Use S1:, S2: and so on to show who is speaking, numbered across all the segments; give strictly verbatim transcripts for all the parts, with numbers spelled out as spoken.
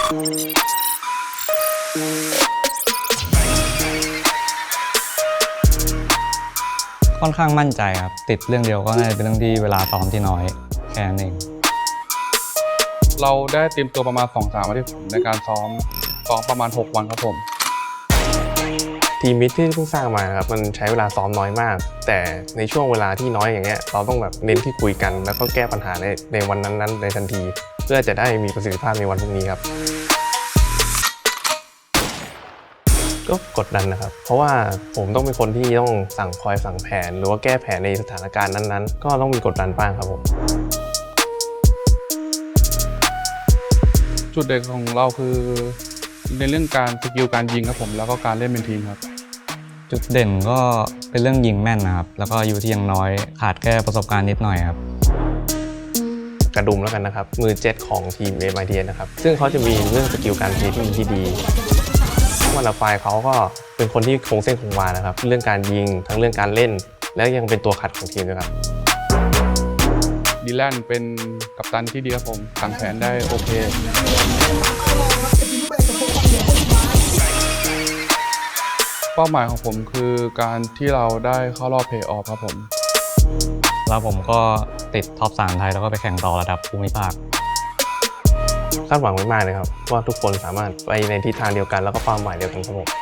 S1: ค่อนข้างมั่นใจครับติดเรื่องเดียวก็น่าจะเป็นเรื่องที่เวลาซ้อมที่น้อยแค่นั้นเอง
S2: เราได้เตรียมตัวประมาณ สองถึงสาม อาทิตย์ในการซ้อมซ้อมประมาณหกวันครับผม
S3: ทีมมิตรที่เพิ่งสร้างมาครับมันใช้เวลาซ้อมน้อยมากแต่ในช่วงเวลาที่น้อยอย่างเงี้ยเราต้องแบบเน้นที่คุยกันแล้วก็แก้ปัญหาในในวันนั้นๆในทันทีเพื่อจะได้มีประสิทธิภาพในวันพรุ่งนี้ครับก็กดดันนะครับเพราะว่าผมต้องเป็นคนที่ต้องสั่งคอยสั่งแผนหรือว่าแก้แผนในสถานการณ์นั้นๆก็ต้องมีกดดันบ้างครับผม
S2: จุดเด่นของเราคือในเรื่องการสกิลการยิงครับผมแล้วก็การเล่นเป็นทีมครับ
S1: จุดเด่นก็เป็นเรื่องยิงแม่นนะครับแล้วก็อายุที่ยังน้อยขาดแค่ประสบการณ์นิดหน่อยครับ
S3: กระดุมแล้วกันนะครับมือเจ็ตของทีม เอ็ม ไอ ที เอส นะครับซึ่งเขาจะมีเรื่องสกิลการเพลย์ที่ดีที่ดีวันละไฟเขาก็เป็นคนที่คงเส้นคงวานะครับเรื่องการยิงทั้งเรื่องการเล่นและยังเป็นตัวขัดของทีมด้วยครับ
S2: ดีแลนเป็นกัปตันที่ดีครับผมสั่งแผนได้โอเคเป้าหมายของผมคือการที่เราได้เข้ารอบเพลย์ออฟครับผม
S1: แล้วผมก็ติดท็อปสามไทยแล้วก็ไปแข่งต่อระดับภูมิภาค
S3: คาดหวังไว้มากเลยครับว่าทุกคนสามารถไปในทิศทางเดียวกันแล้วก็เป้าหมายเดียวกันครับผม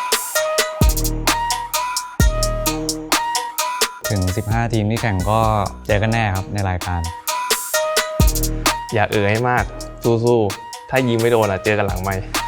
S1: ถึงสิบห้าทีมที่แข่งก็เจอกันแน่ครับในรายการ
S3: อย่าเอ่ยให้มากสู้ๆถ้ายิงไม่โดนอ่ะเจอกันหลังไมค์